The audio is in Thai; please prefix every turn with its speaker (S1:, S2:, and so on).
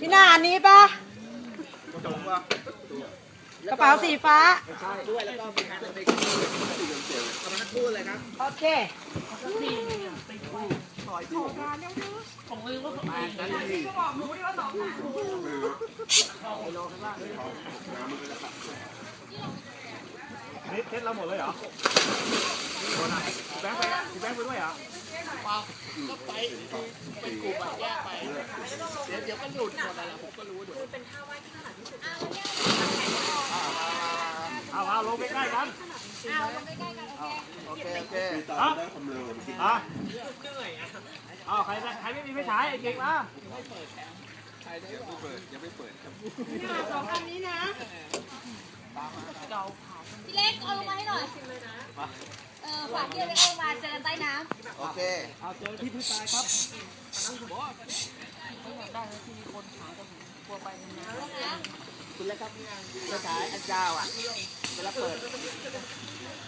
S1: พี่นาอันนี้ปะกระเป๋าสีฟ้าด้วยแล้วก็มีงานเป็นเอามาทั้งคู่เลยครับโอเค
S2: นี่เทสเราหมดเลยเหรอแบงค์ไปด้วยเหรอ
S3: ก็ไปเป็นกลุ่มแยกไปเดี๋ยวก็หลุดหมดอะไรผมก็รู้เดี๋ยวเป็นท่าว่ายที่ถนัดที่สุด
S2: เอาลงใกล้ๆกัน
S3: ลงใกล้ๆกันโอเค
S2: ใครไม่มีไฟฉายไอ้เก่งมา
S1: สองอันนี้นะ
S4: พี่เล็กเอาลงมาให้หน่อยฝากพี่เล็กเอามาเจอใต้น้ำ
S3: โอเค
S2: เอาเจอที่พื้นทรายครับ
S3: คุณแล้วครับกระฉายอันเจ้าอ่ะเวลาเปิด